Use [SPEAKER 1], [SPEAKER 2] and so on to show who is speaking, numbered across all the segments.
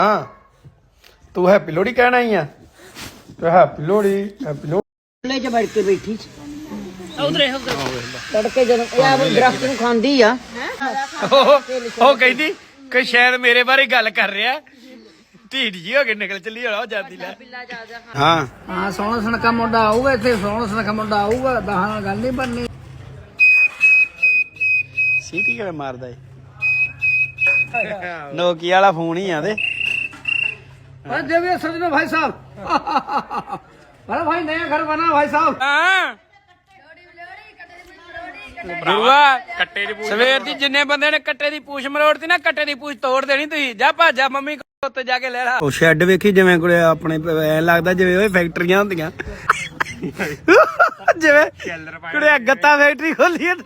[SPEAKER 1] हाँ तू हैप्पी लोहड़ी कहना ही है तो हैप्पी लोहड़ी
[SPEAKER 2] ਲੈ ਚ ਬੈਠ ਕੇ ਬੈਠੀ ਤੜਕੇ ਜਦੋਂ ਇਹ ਦਰਖਤ ਨੂੰ ਖਾਂਦੀ ਆ
[SPEAKER 1] ਉਹ ਕਹਿੰਦੀ ਕਿ ਸ਼ਾਇਦ ਮੇਰੇ ਬਾਰੇ ਗੱਲ ਕਰ ਰਿਹਾ ਢੀਡ ਜੀ ਹੋ ਕੇ ਨਿਕਲ ਚੱਲੀ ਹੋਣਾ ਉਹ ਜਾਂਦੀ ਲੈ ਹਾਂ
[SPEAKER 2] ਹਾਂ ਸੋਹਣਾ ਸੁਨੱਖਾ ਮੁੰਡਾ ਆਊਗਾ ਇੱਥੇ ਸੋਹਣਾ ਸੁਨੱਖਾ ਮੁੰਡਾ ਆਊਗਾ ਦਹਾਂ ਨਾਲ ਗੱਲ ਨਹੀਂ ਬਣਨੀ
[SPEAKER 1] ਸੀਟੀ ਕਿਵੇਂ ਮਾਰਦਾ ਏ ਨੋਕੀਆ ਵਾਲਾ ਫੋਨ ਹੀ ਆ ਤੇ
[SPEAKER 2] अरे देविए सजनो भाई साहब अरे भाई नया घर बना भाई साहब
[SPEAKER 1] ਗੁਰੂਆ ਕੱਟੇ ਦੀ ਪੂਛ ਸਵੇਰ ਦੀ ਜਿੰਨੇ ਬੰਦੇ ਨੇ ਕੱਟੇ ਦੀ ਪੂਛ ਮਰੋੜਤੀ ਨਾ ਕੱਟੇ ਦੀ ਪੂਛ ਤੋੜ ਦੇਣੀ ਤੁਸੀਂ ਜਾ ਭਾਜਾ ਮੰਮੀ ਕੋਲ ਉੱਤੇ ਜਾ ਕੇ ਲੈ ਲਾ ਉਹ ਸ਼ੈੱਡ ਵੇਖੀ ਜਿਵੇਂ ਕੋਲੇ ਆਪਣੇ ਐ ਲੱਗਦਾ ਜਿਵੇਂ ਉਹ ਫੈਕਟਰੀਆਂ ਹੁੰਦੀਆਂ ਜਿਵੇਂ ਕੋਲੇ ਗੱਤਾ ਫੈਕਟਰੀ ਖੋਲੀ ਹੈ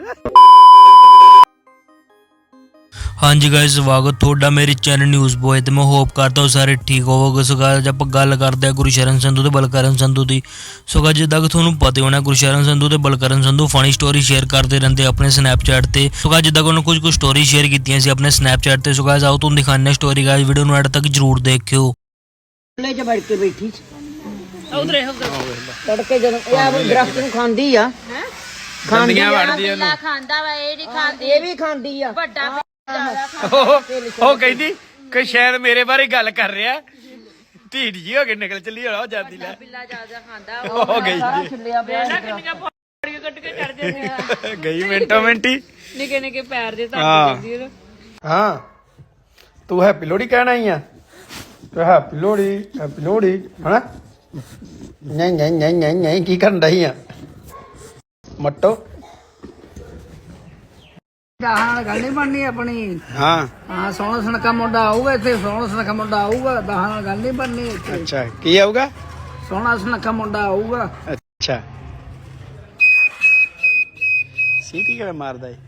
[SPEAKER 3] हाँ जी गाइस स्वागत थोड़ा मेरे चैनल न्यूज़ बॉय तो मैं होप करता हूँ सारे ठीक होवोगे। सो गाइस आप गल करते हैं गुरशरण संधू ते बलकरण संधू की। सो गाइस जिद्दां कि तुहानूं पता होना गुरशरण संधू ते Balkaran Sandhu funny story share करते रहते अपने स्नैपचैट ते। सो गाइस जिद्दां कि उन्होंने कुछ स्टोरी शेयर कीतियां सी अपने स्नैपचैट ते। सो गाइस आओ तुहानूं दिखाने स्टोरी गाइस वीडियो नूं एंड तक जरूर देखियो।
[SPEAKER 2] ਲੈ ਚ ਬੈਠ ਕੇ ਬੈਠੀ ਤੜਕੇ ਜਦੋਂ ਇਹ ਦਰਖਤ ਨੂੰ ਖਾਂਦੀ ਆ
[SPEAKER 1] ਖਾਂਦੀਆਂ ਵੜਦੀ ਉਹਨੂੰ
[SPEAKER 4] ਖਾਂਦਾ ਵਾ ਇਹ ਨਹੀਂ ਖਾਂਦੀ
[SPEAKER 2] ਇਹ ਵੀ ਖਾਂਦੀ ਆ
[SPEAKER 4] ਵੱਡਾ
[SPEAKER 1] ਉਹ ਕਹਿੰਦੀ ਕਿ ਸ਼ਾਇਦ ਮੇਰੇ ਬਾਰੇ ਗੱਲ ਕਰ ਰਿਹਾ ਢੀਡ ਜੀ ਹੋ ਕੇ ਨਿਕਲ ਚੱਲੀ ਹੋਣਾ ਉਹ ਜਾਂਦੀ ਲੈ
[SPEAKER 4] ਬਿੱਲਾ ਜ਼ਿਆਦਾ ਖਾਂਦਾ
[SPEAKER 1] ਹੋ ਗਈ
[SPEAKER 4] ਕੱਟ ਕੇ ਚੜ ਜਾਂਦੇ ਆ
[SPEAKER 1] ਗਈ ਮਿੰਟੋ ਮਿੰਟੀ
[SPEAKER 4] ਨਿੱਕੇ ਨਿੱਕੇ ਪੈਰ ਦੇ ਧੱਕ ਜਾਂਦੀ ਉਹਨੂੰ
[SPEAKER 1] ਹਾਂ ਤੂੰ ਹੈਪੀ ਲੋਹੜੀ ਕਹਿਣਾ ਹੀ ਆ ਤੇ ਹੈਪੀ ਲੋਹੜੀ ਹਨਾ ਨਹੀਂ ਨਹੀਂ ਨਹੀਂ ਨਹੀਂ ਨਹੀਂ ਕੀ ਕਰਨ ਰਹੀ ਆ ਮੱਟੋ
[SPEAKER 2] ਦਹਾਂ ਨਾਲ ਗੱਲ ਨਹੀਂ ਬਣਨੀ ਆਪਣੀ
[SPEAKER 1] ਹਾਂ
[SPEAKER 2] ਹਾਂ ਸੋਹਣਾ ਸੁਨੱਖਾ ਮੁੰਡਾ ਆਊਗਾ ਇੱਥੇ ਸੋਹਣਾ ਸੁਨੱਖਾ ਮੁੰਡਾ ਆਊਗਾ ਦਹਾਂ ਨਾਲ ਗੱਲ ਨਹੀਂ ਬਣਨੀ ਇੱਥੇ
[SPEAKER 1] ਅੱਛਾ ਕੀ ਆਊਗਾ
[SPEAKER 2] ਸੋਹਣਾ ਸੁਨੱਖਾ ਮੁੰਡਾ ਆਊਗਾ
[SPEAKER 1] ਅੱਛਾ ਸੀਟੀ ਕਿਵੇਂ ਮਾਰਦਾ ਏ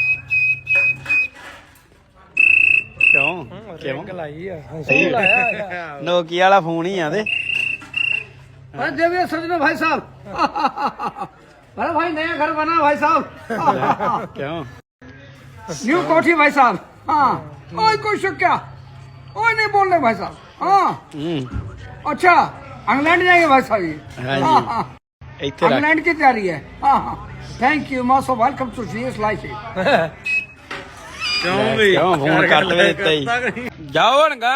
[SPEAKER 1] ਕਿਉਂ ਲਾਈ ਆ ਨੋਕੀਆ ਵਾਲਾ ਫੋਨ ਹੀ ਆ ਤੇ
[SPEAKER 2] अरे देविए सजनो भाई साहब अरे भाई नया घर बना भाई साहब
[SPEAKER 1] ਕਿਉਂ
[SPEAKER 2] न्यू कोठी भाई साहब हाँ ओए कोई शक क्या ओए नहीं बोल रहे भाई साहब हाँ अच्छा इंग्लैंड जाएंगे भाई साहब ये
[SPEAKER 1] हाँ
[SPEAKER 2] हाँ
[SPEAKER 1] जी।
[SPEAKER 2] हाँ
[SPEAKER 1] ਇੱਥੇ ਰੱਖ
[SPEAKER 2] इंग्लैंड की तैयारी है हाँ हाँ thank you most welcome to GS life
[SPEAKER 1] ਕਿਉਂ ਵੀ ਕਿਉਂ ਫੋਨ ਕੱਟ ਵੇ ਦਿੱਤਾ ਹੀ ਜਾਓ ਹੁਣ ਗਾ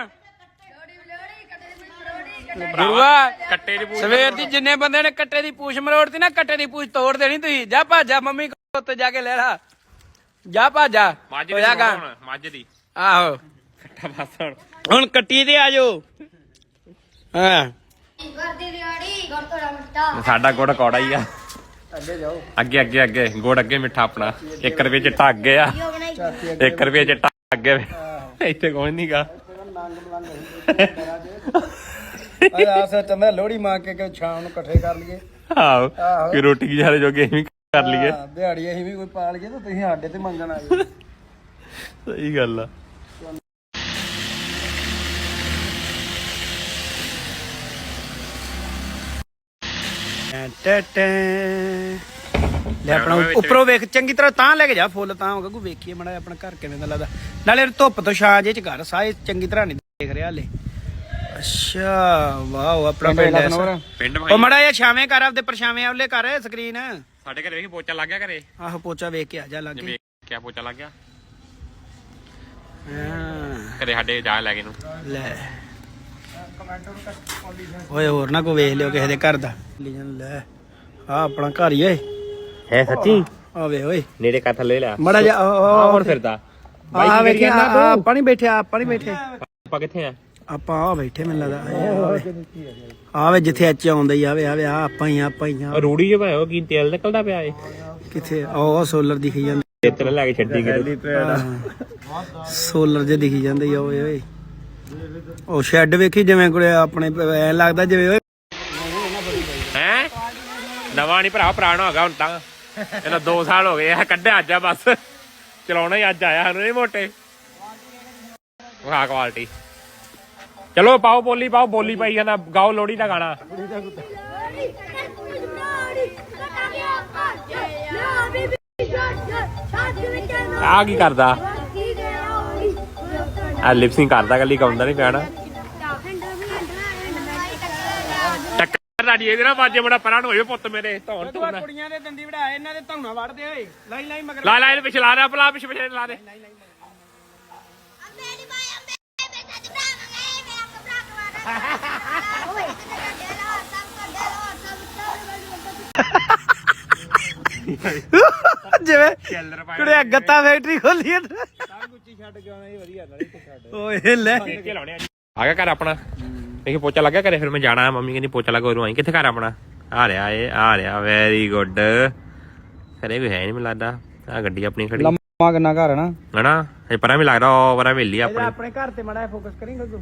[SPEAKER 1] ਗੁਰੂਆ ਕੱਟੇ ਦੀ ਪੂਛ ਸਵੇਰ ਦੀ ਜਿੰਨੇ ਬੰਦੇ ਨੇ ਕੱਟੇ ਦੀ ਪੂਛ ਮਰੋੜਤੀ ਨਾ ਕੱਟੇ ਦੀ ਪੂਛ ਤੋੜ ਦੇਣੀ ਤੁਸੀਂ ਜਾ ਭਾਜਾ ਮੰਮੀ ਕੋਲ ਉੱਤੇ ਜਾ ਕੇ ਲੈ ਲਾ ਜਾ ਭਾਜਾ ਹੋਇਆ ਗਾ
[SPEAKER 5] ਮੱਝ ਦੀ
[SPEAKER 1] ਆਹੋ
[SPEAKER 5] ਕੱਟਾ ਬਸ
[SPEAKER 1] ਹੁਣ ਕੱਟੀ ਤੇ ਆ ਜਾਓ ਹਾਂ
[SPEAKER 5] ਸਾਡਾ ਗੁੜ ਕੌੜਾ ਹੀ ਆ ਅੱਗੇ ਅੱਗੇ ਅੱਗੇ ਗੁੜ ਅੱਗੇ ਮਿੱਠਾ ਆਪਣਾ 1 ਰੁਪਏ ਚਿੱਟਾ ਅੱਗੇ ਆ 1 ਰੁਪਏ ਚਿੱਟਾ ਅੱਗੇ ਇੱਥੇ ਕੋਈ ਨੀ ਗਾ
[SPEAKER 1] ਆਸ ਚੰਦਾ ਲੋਹੜੀ ਮਾਰ ਕੇ ਸ਼ਾਮ ਨੂੰ ਇਕੱਠੇ ਕਰ ਲਈਏ
[SPEAKER 5] ਆਹੋ ਕਿ ਰੋਟੀ ਗੁਜ਼ਾਰੇ ਜੋਗੇ ਅਸੀਂ ਕਰ ਲਈਏ
[SPEAKER 1] ਦਿਹਾੜੀ ਅਸੀਂ ਵੀ ਕੋਈ ਪਾ ਲਈਏ ਤਾਂ ਤੁਸੀਂ ਸਾਡੇ ਤੇ ਮੰਗਣ ਆ ਜਾਓ
[SPEAKER 5] ਸਹੀ ਗੱਲ ਆ
[SPEAKER 1] ਲੈ ਆਪਣਾ ਉੱਪਰੋਂ ਵੇਖ ਚੰਗੀ ਤਰ੍ਹਾਂ ਤਾਂ ਲੈ ਕੇ ਜਾ ਫੁੱਲ ਤਾਂ ਗੱਗੂ ਵੇਖੀਏ ਮੜਾ ਆਪਣਾ ਘਰ ਕਿਵੇਂ ਦਾ ਲੱਗਦਾ ਨਾਲੇ ਧੁੱਪ ਤੋਂ ਛਾਂ ਜੇ ਚ ਘਰ ਸਾਏ ਚੰਗੀ ਤਰ੍ਹਾਂ ਨਹੀਂ ਦੇਖ ਰਿਹਾ ਹਲੇ ਅੱਛਾ ਵਾਓ ਆਪਣਾ
[SPEAKER 5] ਪਿੰਡ
[SPEAKER 1] ਉਹ ਮੜਾ ਇਹ ਛਾਵੇਂ ਕਰ ਆਪਦੇ ਪਰਛਾਵੇਂ ਉਹਲੇ ਕਰ ਸਕਰੀਨ
[SPEAKER 5] ਸਾਡੇ ਘਰੇ ਵੇਖੀ ਪੋਚਾ ਲੱਗ ਗਿਆ ਘਰੇ
[SPEAKER 1] ਆਹੋ ਪੋਚਾ ਵੇਖ ਕੇ ਆ ਜਾ ਲੱਗ
[SPEAKER 5] ਵੇਖ ਕਿਆ ਪੋਚਾ ਲੱਗ ਗਿਆ
[SPEAKER 1] ਹਾਂ
[SPEAKER 5] ਘਰੇ ਸਾਡੇ ਜਾ ਲੈ ਕੇ ਨੂੰ
[SPEAKER 1] ਲੈ ਓਏ ਹੋਰ ਨਾ ਕੋ ਵੇਖ ਲਿਓ ਕਿਸੇ ਦੇ ਘਰ ਦਾ ਲੈ ਆ ਆਪਣਾ ਘਰ ਹੀ ਓਏ
[SPEAKER 5] ਹੈ ਸੱਚੀ
[SPEAKER 1] ਆ ਵੇ ਓਏ
[SPEAKER 5] ਨੇੜੇ ਕਾ ਥੱਲੇ ਲਿਆ
[SPEAKER 1] ਮੜਾ ਜਾ
[SPEAKER 5] ਹੁਣ ਫਿਰਦਾ
[SPEAKER 1] ਆ ਵੇਖਿਆ ਆਪਾਂ ਨਹੀਂ ਬੈਠੇ ਆਪਾਂ ਨਹੀਂ ਬੈਠੇ
[SPEAKER 5] ਆਪਾਂ ਕਿੱਥੇ ਆ
[SPEAKER 1] ਆਪਾਂ ਆ ਬੈਠੇ ਮੈਨੂੰ ਲੱਗਦਾ ਆਵੇ ਜਿੱਥੇ ਅੱਜ ਆਉਂਦਾ ਹੀ ਆਵੇ ਆਵੇ ਆ ਆਪਾਂ ਹੀ ਆ
[SPEAKER 5] ਰੂੜੀ ਜੇ ਭਾਇਓ ਕੀ ਤੇਲ ਨਿਕਲਦਾ ਪਿਆ ਏ
[SPEAKER 1] ਕਿੱਥੇ ਉਹ ਸੋਲਰ ਦਿਖੀ ਜਾਂਦਾ
[SPEAKER 5] ਤੇਲ ਲੈ ਕੇ ਛੱਡੀ ਗਈ
[SPEAKER 1] ਸੋਲਰ ਜੇ ਦਿਖੀ ਜਾਂਦੇ ਆ ਓਏ ਓਏ ਉਹ ਸ਼ੈੱਡ ਵੇਖੀ ਜਿਵੇਂ ਕੋਲੇ ਆਪਣੇ ਐ ਲੱਗਦਾ ਜਿਵੇਂ ਓਏ
[SPEAKER 5] ਹੈ ਨਵਾਂ ਨਹੀਂ ਭਰਾ ਪੁਰਾਣਾ ਹੋ ਗਿਆ ਹੁਣ ਤਾਂ ਇਹਨਾਂ 2 ਸਾਲ ਹੋ ਗਏ ਆ ਕੱਢਿਆ ਅੱਜ ਆ ਬਸ ਚਲਾਉਣਾ ਹੀ ਅੱਜ ਆਇਆ ਸਾਨੂੰ ਨਹੀਂ ਮੋਟੇ ਵਾਹ ਕੁਆਲਿਟੀ ਚਲੋ ਪਾਓ ਬੋਲੀ ਪਾਈ ਜਾਂਦਾ ਗਾਓ ਲੋਹੜੀ ਦਾ ਗਾਣਾ ਆ ਕੀ ਕਰਦਾ ਆ ਲਿਪਸਿੰਗ ਕਰਦਾ ਕੱਲੀ ਗਾਉਂਦਾ ਨਹੀਂ ਪਿਆ ਨਾ ਟੱਕਰ ਤੁਹਾਡੀ ਇਹਦੇ ਨਾਲ ਬਾਜੇ ਬੜਾ ਪਰਾਂ ਨੂੰ ਹੋਏ ਪੁੱਤ ਮੇਰੇ ਧੌਣ ਧੋਣਾ
[SPEAKER 1] ਕੁੜੀਆਂ ਦੇ ਦੰਦੀ ਵੜਾ ਇਹਨਾਂ ਦੇ ਧੌਣਾ ਵੜਦੇ ਓਏ ਲਾਈ ਮਗਰ
[SPEAKER 5] ਲਾ ਇਹਨੂੰ ਪਿਛਲਾ ਦੇ ਪਲਾ ਪਿਛੇ ਲਾ ਦੇ
[SPEAKER 1] ਜਿਵੇਂ
[SPEAKER 5] ਚੱਲਰ ਪਾਇਆ
[SPEAKER 1] ਕੁੜਿਆ ਗੱਤਾ ਫੈਕਟਰੀ ਖੋਲੀ ਹੈ ਓਏ ਲੈ
[SPEAKER 5] ਕੇ ਲਾਉਣੇ ਆ ਗਿਆ ਘਰ ਆਪਣਾ ਦੇਖੀ ਪੋਚਾ ਲੱਗਿਆ ਘਰੇ ਫਿਰ ਮੈਂ ਜਾਣਾ ਮੰਮੀ ਕਹਿੰਦੀ ਪੋਚਾ ਲਗਾ ਉਰੋਂ ਆਈ ਕਿੱਥੇ ਘਰ ਆਪਣਾ ਆ ਰਿਹਾ ਵੈਰੀ ਗੁੱਡ ਘਰੇ ਵੀ ਹੈ ਨਹੀਂ ਮੈਨੂੰ ਲੱਗਦਾ ਆ ਗੱਡੀ ਆਪਣੀ ਖੜੀ
[SPEAKER 1] ਲੰਮਾ ਕਿੰਨਾ ਘਰ ਹੈ ਨਾ
[SPEAKER 5] ਹਨਾ ਇਹ ਪਰਾਂ ਵੀ ਲੱਗਦਾ ਉਹ ਪਰਾਂ ਵੇਲੀ ਆਪਣੀ
[SPEAKER 1] ਆਪਣੇ ਘਰ ਤੇ ਮਾੜਾ ਫੋਕਸ ਕਰੀਂਗਾ ਤੂੰ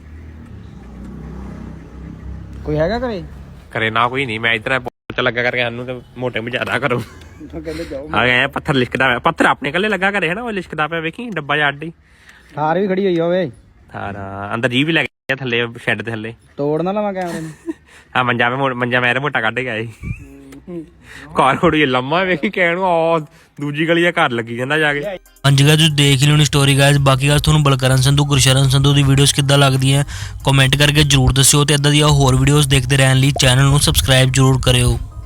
[SPEAKER 1] ਕੋਈ ਹੈਗਾ ਘਰੇ
[SPEAKER 5] ਘਰੇ ਨਾ ਕੋਈ ਨਹੀਂ ਮੈਂ ਇਧਰ ਪੋਚਾ ਲੱਗਾ ਕਰਕੇ ਸਾਨੂੰ ਤੇ ਮੋਟੇ ਮਜਾਦਾ ਕਰੋ
[SPEAKER 1] ਕਹਿੰਦੇ ਜਾਓ
[SPEAKER 5] ਆ ਗਿਆ ਪੱਥਰ ਲਿਸ਼ਕਦਾ ਪਿਆ ਪੱਥਰ ਆਪਣੇ ਕੱਲੇ ਲੱਗਾ ਘਰੇ ਹਨਾ ਉਹ ਲਿਸ਼ਕਦਾ ਪਿਆ ਵੇਖੀ ਡੱਬਾ ਜਿਹਾ ਅੱਡੀ
[SPEAKER 1] ਥਾਰ ਵੀ ਖੜੀ ਹੋਈ ਹੋਵੇ
[SPEAKER 5] ਸਾਰਾ ਅੰਦਰ ਜੀ ਵੀ ਲੱਗ ਗਿਆ ਥੱਲੇ ਸ਼ੈੱਡ ਦੇ ਥੱਲੇ
[SPEAKER 1] ਤੋੜ ਨਾ ਲਵਾਂ ਕੈਮਰੇ ਨੂੰ
[SPEAKER 5] ਆ ਮੰਜਾ ਮੇਰੇ ਮੋਟਾ ਕੱਢ ਗਿਆ ਸੀ ਘਰ ਥੋੜੀ ਲੰਮਾ ਵੇਖੀ ਕਹਿਣ ਨੂੰ ਆ ਦੂਜੀ ਗਲੀ ਦਾ ਘਰ ਲੱਗੀ ਜਾਂਦਾ ਜਾ ਕੇ
[SPEAKER 3] ਹਾਂਜੀ ਗਾਇਸ ਤੁਸੀਂ ਦੇਖ ਲਿਓ ਨੀ ਸਟੋਰੀ ਗਾਇਸ ਬਾਕੀ ਗਾਇਸ ਤੁਹਾਨੂੰ ਬਲਕਰਨ ਸੰਧੂ ਗੁਰਸ਼ਰਨ ਸੰਧੂ ਦੀ ਵੀਡੀਓਜ਼ ਕਿੱਦਾਂ ਲੱਗਦੀਆਂ ਕਮੈਂਟ ਕਰਕੇ ਜਰੂਰ ਦੱਸਿਓ ਤੇ ਇਦਾਂ ਦੀਆਂ ਹੋਰ ਵੀਡੀਓਜ਼ ਦੇਖਦੇ ਰਹਿਣ ਲਈ ਚੈਨਲ ਨੂੰ ਸਬਸਕ੍ਰਾਈਬ ਜਰੂਰ ਕਰਿਓ।